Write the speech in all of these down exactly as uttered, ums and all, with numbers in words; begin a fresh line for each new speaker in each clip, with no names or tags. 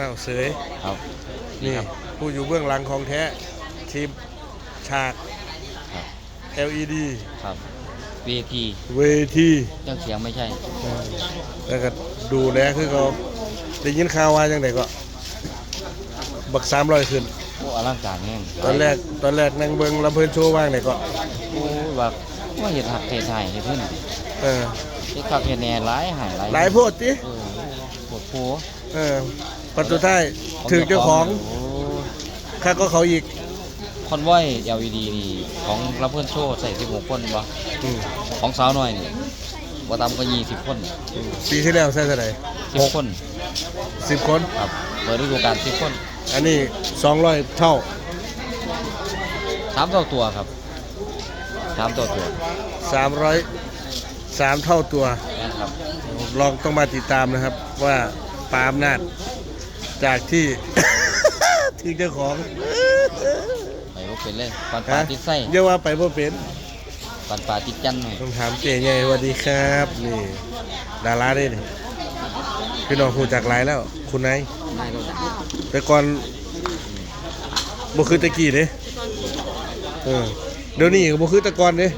วเสย
ครับ
นี่ผู้อยู่เบื้องหลังของแท้ทีมฉาก แอล อี ดี
ครับเวที
เวที
เครื่องเสียงไม่ใช่
แล้วก็ดูแลคือเขาได้ยินข่าวว่าจังไดก็บักสามร้อยขึ้น
โอ้อลังการแห้ง
ตอนแรกตอนแรกนั่งเบิ่งลำเพิ่นโชว์ว่างไหนก็
โอ้แบบว่าเห็ดหักเห็ดไห่เห็ดขึ้น
เออ
เห็ดขับเห็ดแหน่หลายหายหลาย
หลายโพดติ
เออปวดโผ
เออปัจจุบันถึงเจ้าของข้าก็เขาอีก
คอนวอย แอล อี ดี นี่ของรับเพื่อนโชว์ใส่สิบหกคนบ่ของสาวน้อยนี่บ่ต่ำกว่ายี่สิบคน
ปีที่แล้วใส่เท่าไหร่
สิบคน
สิบคน
ครับเปิดฤดูกาลสิบคน
อันนี้สองร้อยเท่า
สามเท่าตัวครับสามเท่าตัว
สามร้อยสามเท่าตัว
นะครับ
ลองต้องมาติดตามนะครับว่าปาล์มนาจจากที่ ถึงเจ้าของ
ไปว่าเป็นเลยปันปลาติดไส้
เรียกว่าไปว่าเป็น
ปันปลาติดจันหน่อย
ต้องถามเจ๊ไงสวัสดีครับนี่ดาราได้นี่พี่น้องคูจากหลายแล้วคุณนายแต่ก่อนบ่คือตะกี้เด้เออเดี๋ยวนี้ก็บ่คือตะก่อนเด้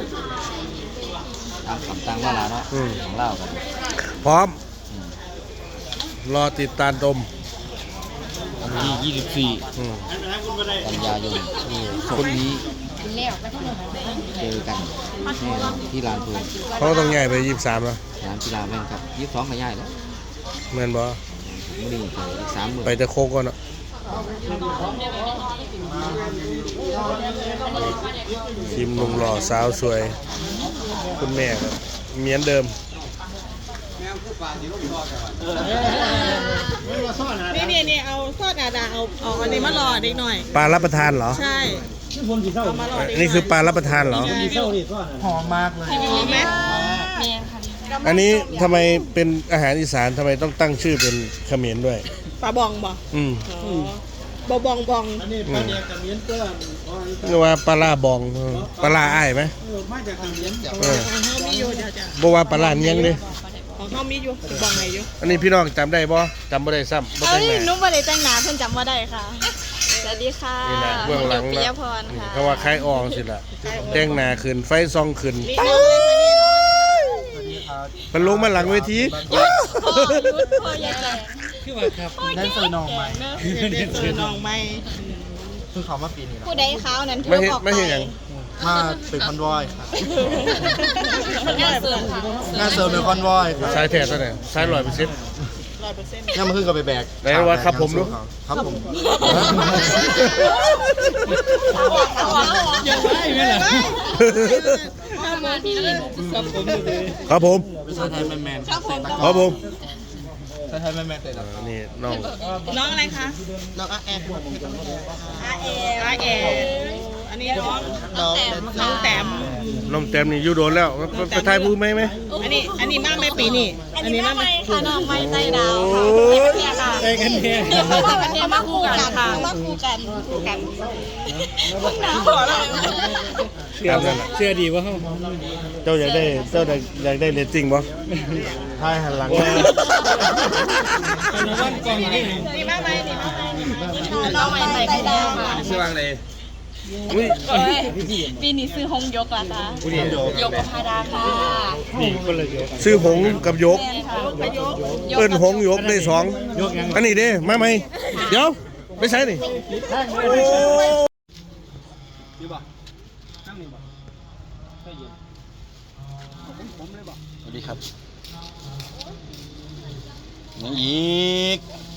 ตามคำตั้งว่าลาเนาะของเล่ากัน
พร้อมรอติดตามชม
วันที่ยี่สิบสี่กันยายนศุกร์นี้เจอกันที่ลานปืน
เขาต้องใหญ่ไปยี่สิบสามแล้ว
สนามกีฬาแม่นครับยี่สิบสองก็ใหญ่แล้ว
เหมือนบ่
ไม่ได้ไปอีกสามหมื่น
ไปแต่โคกก่อนเนาะทีมหนุ่มหล่อสาวสวยคุณแม่ครับเหมือนเดิม
นี่นี่นี่เอาซอสดาดาเอาเอาอันนี้มารอเด็กหน่อย
ปลารับประทานเหรอ
ใช่
นี่คือปลารับประทานเหรอ
หอมมากเลยหอมไหม
อันนี้ทำไมเป็นอาหารอีสานทำไมต้องตั้งชื่อเป็นเขมรด้วย
ปลาบองบ่
อืม
บอบองบอง
อันนี้ปลาเดียกเขมรก็เรียกว่าปลาลาบองปลาลาอ้ายไหม
มาจากเขมรเออของเขามีอยู่จ้ะจ้ะ
บอกว่าปลาลาเนียงเลย
ของเขามีอยู่บองไหนอยู่
อันนี้พี่น้องจำได้บ่จำไม่ได้ซ้ำ
เอ้ยนุ่มบ่ได้แต่งหน้าเพิ่นจำว่าได้ค่ะสวัสดีค่ะ
นี่นะเบื้องหลัง
นะ
เขาว่าคล้ายอองสิล่ะแต่งหน้าขึ้นไฟซองขึ้นมันลงมาหลังเวที
ยุดพ่อยุดพ่อใหญ่คือว่าครับนั่นเซอร์นองใหม่นั่นเซอร์นองใหม่
คือเขามาปีนี้
ผู้ใดเขานั้น
ไม่เห็นไม่เห็นอย่าง
มาเป็นคอนวอยครับ
น่าเสริม
น่าเสริมเป็นคอนวอย
สายแท้ตัวไหนสายร้อยเปอร์เซ็นต์
ร้อยเปอร์เซ็นต์
นี่มันขึ้นกับไปแบก
ไหนว่าครับผมรู้
ครับผม
ยังไงไม่ล่ะ
ครับผม
ภาษาไทยแมนแมน
ครับผม
ภาษาไทยแมนแมนเลย
นี่น้อง
น้องอะไรคะ
น้องอาแอน
อาเออาเออันนี้น้องน้องน้องแต้ม
น้องแต้มนี่อยู่โดนแล้วไปถ่ายผู้ไหมไหม
อันนี้อันนี้มากไหมปีนี้อันนี้มากไหมค่ะน้องไม่ใจดาวค่ะใจกันเนี่ยกันเนี่ยมาคู่กันค่ะมาคู่กันคู่กัน
เชื่อ
เชื่อดีว่าเขา
เจ้าอยากได้เจ้าอยากได้เรตติ้งบ่ถ่ายหันหลัง
นี่มากไหมนี่มากไหมน้องไม่ใจดาว
ชื่อว่าอะไร
ปีนี้ซื้อหงยกล่ะคะยกกับพาดาค่ะ
นี่ก็เลยซื้อหงกับยกเอิ้นหงยกได้สองอันนี้เด้มาไหมเดี๋ยวไม่ใช่นี่
สวัสดีครับยังอีก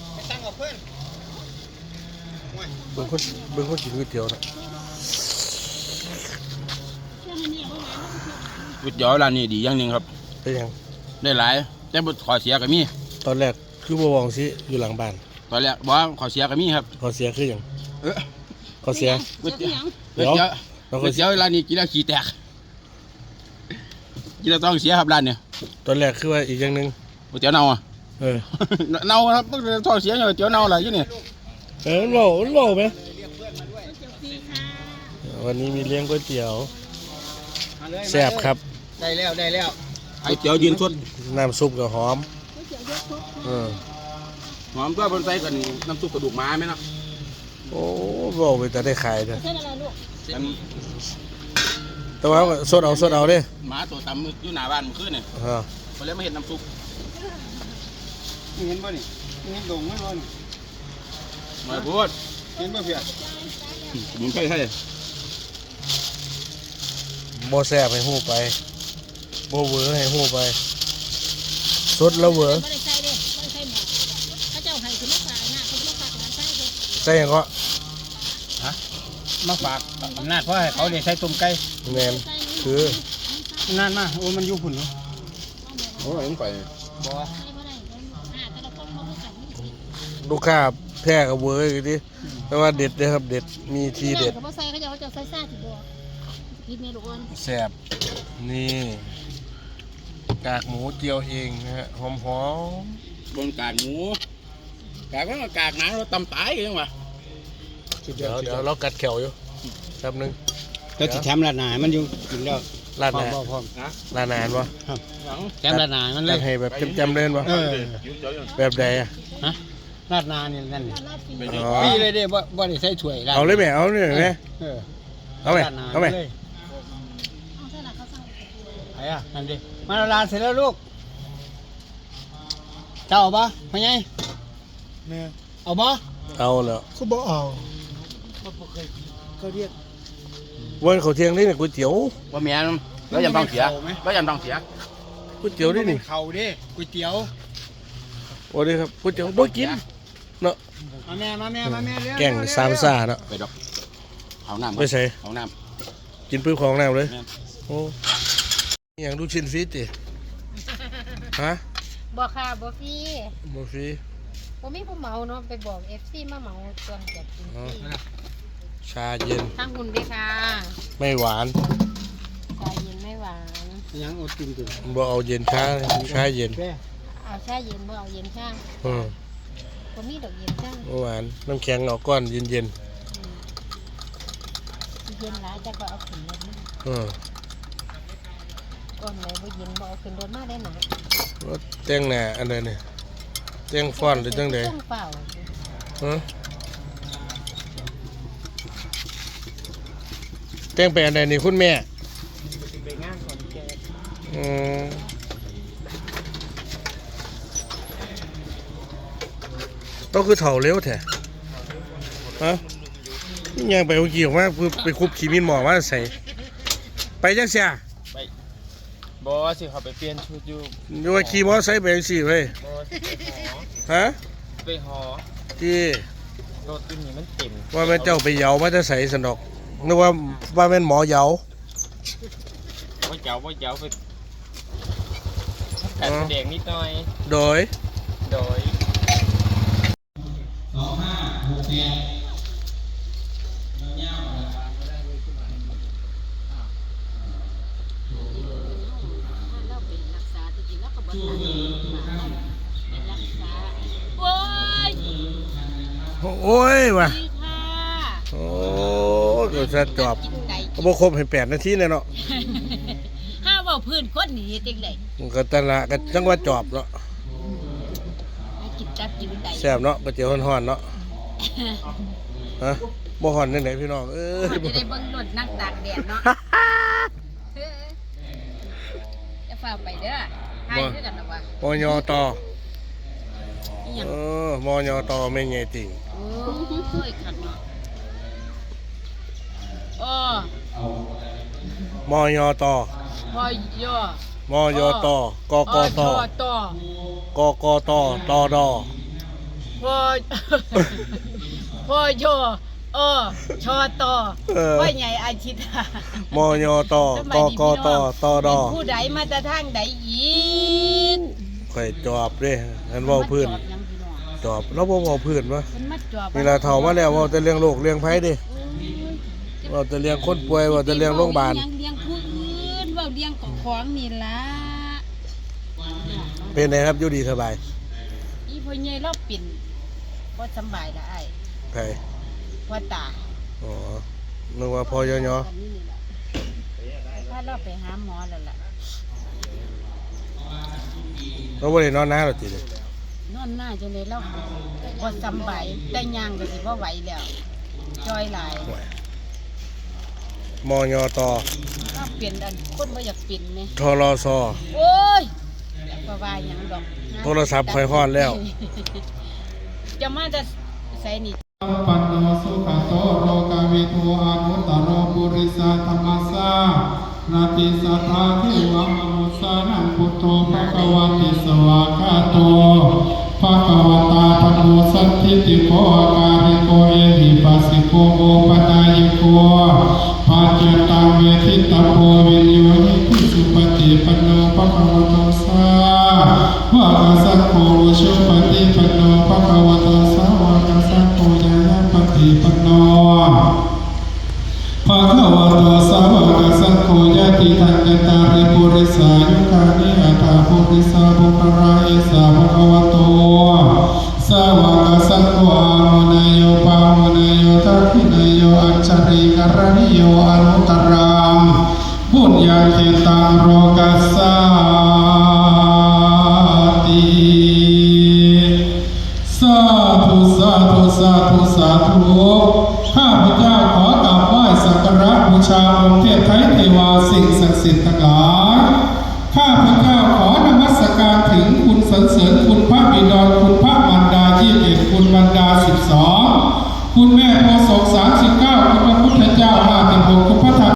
เบิ่งคนเบิ่งคนกินก๋วยเตี๋ยวนะ
ก๋วยเตี๋ยวร้านนี้ดีอย่างหนึ่งครับ
เป็นยัง
ได้หลายแต่บทขอเสียก็มี
ตอนแรกคือบ่วองสิอยู่หลังบ้าน
ตอนแรกบอกขอเสียก็มีครับ
ขอเสียคือยังขอเสีย
ก๋วยเตี๋ยวก๋วยเตี๋ยวก๋วยเตี๋ยวร้านนี้กินแล้วขี้แตกกินแล้วต้องเสียครับร้านเนี่ย
ตอนแรกคือว่าอีกอย่างหนึ่ง
ก๋วยเตี๋ยวเน่าอ่ะ
เออ
เน่าครับต้องเสียก๋วยเตี๋ยวเน่าอะไรอยู่เนี่ย
เออโหล่โหล่ไหมวันนี้มีเลี้ยงก๋วยเตี๋ยวแซ่บครับ
ได้แล้วได้แล้ว
ก๋วยเตี๋ยวยืนสด
น้ำซุปกับหอมเออ
หอมตัวบนไส้กันน้ำซุปกระดูกม้าไหมเนาะ
โอ้บอกไปแต่ได้ขายเด้อ
อัน
แต่ว่าสดเอาสดเอาเด้
หมาตัวตำอยู่หน้าบ้านเมื่อคืนเนี่ย
ฮะ
เขาเลยมาเห็นน้ำซุป
เห็นป่ะนี่เห็นดงไหมป่ะนี่
มาพูด
เห็นป่ะเพีย
มึงใช่ใช่
บ่แซ่บให้ฮู้ไปบ่เวอร์ให้ฮู้ไปสดแล้วเวอร์
ไม่ได้ใส่เด้ไม่ได้ใส่หมอเขาเจ้าให้คือมาฝากนะเขามาฝากร้านไส้เด้
ใส่หยังก็
มาฝากอำนาจเพราะให้เขาได้ใช้ต้มไก่
แม่นคือ
อำนาจมาโอ้มันอยู่พุ่นเนาะ
โอ้ยมึงไป
บ่
ลูกค้าแพ้กับเวอร์อยู่ดิแต่ว่าเด็ดเด้อครับเด็ดมีทีเด็ด
เขาใส่เขาจะเขาจะใส่ซ่าถึงบอกกินเมลูกอ่อน
แซ่บนี่กากหมูเจียวเองนะฮะหอมหอม
บนกากหมูกากก็กากหนาเราตำตายกันยังวะ
เดี๋ยวเดี๋ยวเรากัดแขวอยู่แป๊บนึง
แล้วสิแถมร้านอาหารมันอยู่กินแล้ว
ร้าน
พร้
ไห
อน มบ่พร้อม
ร้านอาหารวะ
แถมร้านอาหารมันเล
จั
ย
ดให้แบบจำๆเล่นวะ
เออ
แบบใดอ่ะ
ฮะร้านอาหารนี่นั่นนี่
อ๋อ
ปีเลยเด้บ่บ่ได้ใส่ถ้วยร้าน
เอาเลยไหมเอาเลยไหม
เออ
เอาไหม
ร้นห
เอาไหม
ลยไปอ่ะนั่นดิมาร้านเสร็จแล้วลูกเจ้าเอาปะพ่อใหญ่แม่เอาปะ
เอาแล้ว
เขาบอกเอา
วันเขาเที่ยงนี่เนี่ยก๋วยเตี๋ยว
ว่าเมียนแล้วยำทองเสียแล้วยำทองเสีย
ก๋วยเตี๋ยวนี่นี่
เขาดิก๋วยเตี๋ยว
โอ้ดีครับก๋วยเตี๋ยวบ่กินเนาะ
มาแม่มาแม่มาแม่เร็ว
แกงสามซ่าเนาะ
ไปดอกเอาน้ำ
ไปใส่
เอาน้
กินปื้มของน้ำเลย
แม่น
โอ้อหย่างลูกชิ้นฟรีติฮะ
บ่ค่ะบ่ฟรี
บ่ฟรี
ผมมีผู้เหมาเนาะไปบอกเอฟซีมาเหมาส่วนจัดกินฟรี
ชาเย็น
ทั้งหุ่นด้วยค่ะ
ไม่หวาน
ชาเย็นไม่หวาน
ยังอดกินอยู่
บ่เอาเย็นชาชาเย็น
แม่
เอาชาเย็นบ่เอาเย็นชา
อืม
ผมมีดอกเย็นชา
บ่หวานน้ำแข็งเอาก้อนเย็น
เย็นหลายจะก็เอาขึ้นรถมา
ๆอืม
ก่อนไหนบ่เย็นบ่เอาขึ้นรถมาได้หนา
รถแต่งหน้าอันใดนี่แต่งฟอนต์หรือจังใด
เครื่องเปล่า
ฮะแต่งไปอันใดนี่คุณแม่
ไปงานก่อนแก
อืมต้องคือเถ่าเร็วแท้ฮะยังไปเอากี่ออกมาคือไปคุบขีมินหมอมาใส่ไปจังเสีย
บอสิเขาไปเปลี่ยนชุดอยู่
อยู่ว่าขี่มอไซค์ไปจังสี่เว้ย
บอสิไปหอ
ฮะ
ไปหอ
ที่
รถตัวนี้มันเต็ม
ว่าแม่นเจ้าไปเหยามาจะใส่สนอกนึกว่าว่าแม่นหมอเหยา
ว่าเจ้าว่าเจ้าไปการแสดงนิดหน่อย
โดย
โดย
เราเป็นรักษาจริงๆแล้วก็บ่ทันเป็นรักษาโอ้ย
โอ้ยว่ะ
ดีค่ะ
โอ้ตัวจะจอบ
กินไก่
ก็บ่ครบให้แปดนาทีเลยเนาะ
ห้าเว่าพื้นคนหนีจังได๋
มันก็ตะละก็จังว่าจอบเนาะ
ให้กินจับกินไก่
แซ่บเนาะก๋วยเตี๋ยวฮ้อนๆเนาะฮะบ่ฮ้อนจังไดพี่น้องเอ้ย
จะได้เบิ่งรถนั่งตากแดดเนาะจะฝ่าไปเด้อให้คือกันนะวะ
มอยอตอ
อีหยัง
เออมอยอตอไม่ใหญ่ติ่ง
โอ้ยคักเนาะโอ้
มอยอตอ
พอยอ
มอยอตอกกต
ต่อก
กตตอดอ
พอพอยอเออชอตอพ่อใหญ่อาชิตาม
อยอตอกกตตอดอ
ผู้ใดมาแต่ทางใดอีก
ข่อยจอบเด้อันเว้าพื้น
จอบยังพี่น้อง
จอบแล้วบ่เว้าพื้นวะ
เพิ่นมาจอบ
นี่ล่ะเฒ่ามาแล้วเว้าแต่เรื่องโรคเรื่องภัยเด้เว้าแต่เรื่องคนป่วยเว้าแต่เรื่องโรงพยาบาล
เลี้ยงผู้อื่นเว้าเลี้ยงของของนี่ล่ะ
เป็นไงครับอยู่ดีสบาย
อีพ่อใหญ่เราเป็นบ่สำบายละอ้าย
ไผ
พ่อตา
อ๋อนึกว่าพอยอยอ
อันนี้นี่ล่ะพาเราไปหาหมอแล้วล่ะ
เราบ่ได้นอนนาหรอกติเด้
นนอนหน้าจนเลยแล้วบ่สำบายได้ย่างก็สิบ่ไหวแล้วจอยหลาย
มอยอตอ
ก็เปลี่ยนอันคนบ่อยากเปลี่ยนแม่
ทรซอ
โอ้ยบ่ว่าหยังดอก
โทรศัพท์ค่อยฮอดแล้ว
จะมาจะใส่นี่
ปันโนสุขโตโรกาวิทูอานุตตโรปุริสาธรรมสานาติสัทธาเทวมนุสานังพุทโธภควาติสวากาโตภควตาธโมสัทธิติโกอาการิโกเอหิปัสสิโกโอปนายโกปัจจตังเวทิตโพวิญโยหิพิสุปฏิปันโนภควโตสาวกสังโฆวิชุปฏิปันโนภควโตสาวกสังโฆยายาปฏิปันโนภะคะวะโตสาวกสังโฆญาติทังกตาริปุริสายุคานิอัตถาปุริสาบุคราเอสาภะคะวะโตสาวกสังโฆอามุนายโยปามุนายโยทักขินายโยอัจฉริกรณิโยอนุตตรังบุญญาเขตังโรกัสสาติสาธุสาธุสาธุสาธุข้าพเจ้าขอกราบไหว้สักการะบูชาองค์เทพไทยเทวาสิ่งศักดิ์สิทธิ์ทั้งหลายข้าพเจ้าขอนมัสการถึงคุณสรรเสริญคุณพระบิดรคุณพระมารดายี่สิบเอ็ดคุณมารดาสิบสองคุณแม่โพธิ์ศกสามสิบเก้าคุณพระพุทธเจ้าห้าสิบหกคุณพระธรรม